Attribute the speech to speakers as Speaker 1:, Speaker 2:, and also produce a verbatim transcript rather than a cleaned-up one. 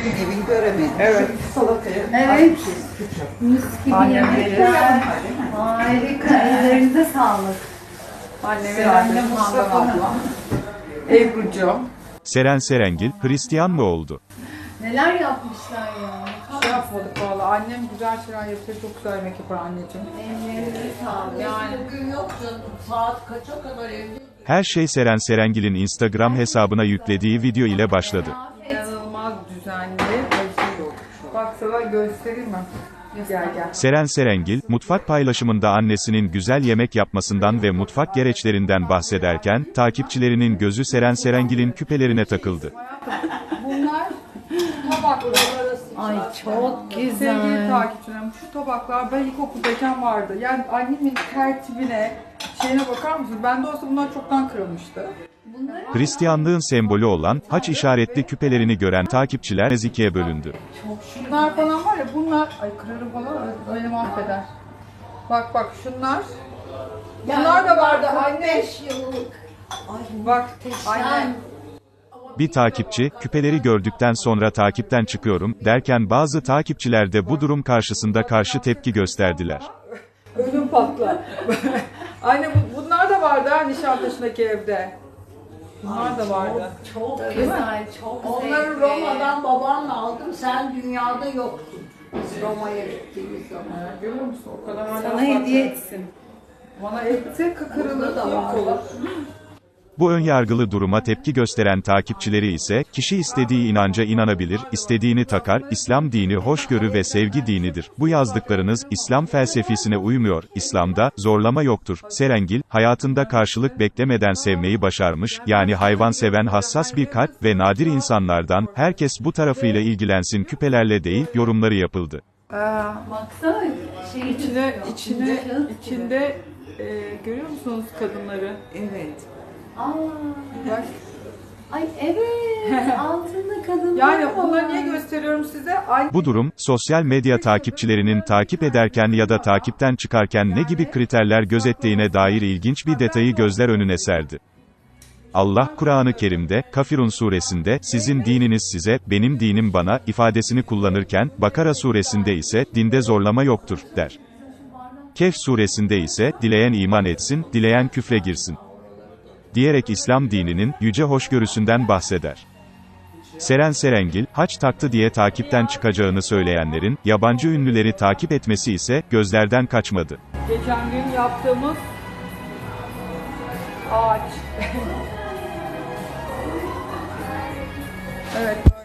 Speaker 1: bugün evini göremedim.
Speaker 2: Evet.
Speaker 1: Şu salatayı.
Speaker 3: Evet. Mis gibi
Speaker 2: Annem
Speaker 3: yemekler. Harika. Ellerinize sağlık.
Speaker 2: Annemin
Speaker 1: Selamlar
Speaker 2: annesi Handan
Speaker 1: Mustafa'nın.
Speaker 2: ablam. Ebru'cum.
Speaker 4: Seren Serengil, Hristiyan mı oldu?
Speaker 3: Neler yapmışlar ya.
Speaker 2: Şey yapmadık valla. Annem güzel şeyler yapıyor. Çok güzel yemek yapar anneciğim.
Speaker 3: Ellerinize sağlık.
Speaker 2: Yani
Speaker 1: Bugün yok canım. Saat kaça kadar evde?
Speaker 4: Her şey Seren Serengil'in Instagram hesabına yüklediği video ile başladı.
Speaker 2: inanılmaz düzenli ve şey yok. Bak sana göstereyim mi? Gel gel.
Speaker 4: Seren Serengil, mutfak paylaşımında annesinin güzel yemek yapmasından ve mutfak gereçlerinden bahsederken, takipçilerinin gözü Seren Serengil'in küpelerine takıldı.
Speaker 2: Bunlar tabaklar.
Speaker 3: Ay çok
Speaker 2: Sevgili
Speaker 3: güzel.
Speaker 2: takipçilerim, şu tabaklar ben ilkokuldayken vardı. Yani annemin tertibine, şeyine bakar mısınız? Bende olsa bunlar çoktan kırılmıştı.
Speaker 4: Hristiyanlığın sembolü olan, haç işaretli küpelerini gören takipçiler ikiye bölündü.
Speaker 2: Şunlar falan var ya, bunlar, ay kırarım falan, öyle mahveder. Bak bak şunlar, bunlar da vardı anne.
Speaker 1: beş yıllık. Ay
Speaker 2: Bak anne.
Speaker 4: Bir takipçi, küpeleri gördükten sonra takipten çıkıyorum, derken bazı takipçiler de bu durum karşısında karşı tepki gösterdiler.
Speaker 2: Ödüm patlar. Anne bu, bunlar da vardı ha Nişantaşı'ndaki evde. Bunlar da vardı.
Speaker 1: çok
Speaker 3: Güzel, çok
Speaker 1: Onları
Speaker 3: zevkli.
Speaker 1: Roma'dan babamla aldım. Sen dünyada yoktun. Biz Roma'ya gittiğimiz zaman.
Speaker 2: Ha, görüyor musun? O kadar hala
Speaker 3: Sana
Speaker 2: farklı.
Speaker 3: hediye etsin.
Speaker 2: Bana etse kıkırılır
Speaker 1: Burada da
Speaker 2: yok
Speaker 1: var.
Speaker 2: olur.
Speaker 4: Bu önyargılı duruma tepki gösteren takipçileri ise, kişi istediği inanca inanabilir, istediğini takar, İslam dini hoşgörü ve sevgi dinidir. Bu yazdıklarınız, İslam felsefesine uymuyor, İslam'da, zorlama yoktur. Serengil, hayatında karşılık beklemeden sevmeyi başarmış, yani hayvan seven hassas bir kalp ve nadir insanlardan, herkes bu tarafıyla ilgilensin küpelerle değil, yorumları yapıldı.
Speaker 2: Aa,
Speaker 3: Baksana şey
Speaker 2: içine, içine,
Speaker 3: Kağıt gibi.
Speaker 2: içinde, e, görüyor musunuz kadınları?
Speaker 1: Evet.
Speaker 3: Aa,
Speaker 2: Bak.
Speaker 3: ay evet. Altında kadınlar
Speaker 2: Yani
Speaker 3: var.
Speaker 2: bunları niye gösteriyorum size? Anne
Speaker 4: Bu durum, sosyal medya takipçilerinin takip ederken ya da takipten çıkarken ne gibi kriterler gözettiğine dair ilginç bir detayı gözler önüne serdi. Allah, Kur'an-ı Kerim'de, Kafirun suresinde, sizin dininiz size, benim dinim bana, ifadesini kullanırken, Bakara suresinde ise, dinde zorlama yoktur, der. Kehf suresinde ise, dileyen iman etsin, dileyen küfre girsin, diyerek İslam dininin, yüce hoşgörüsünden bahseder. Seren Serengil, haç taktı diye takipten çıkacağını söyleyenlerin, yabancı ünlüleri takip etmesi ise, gözlerden kaçmadı.
Speaker 2: geçen gün yaptığımız ağaç. Evet.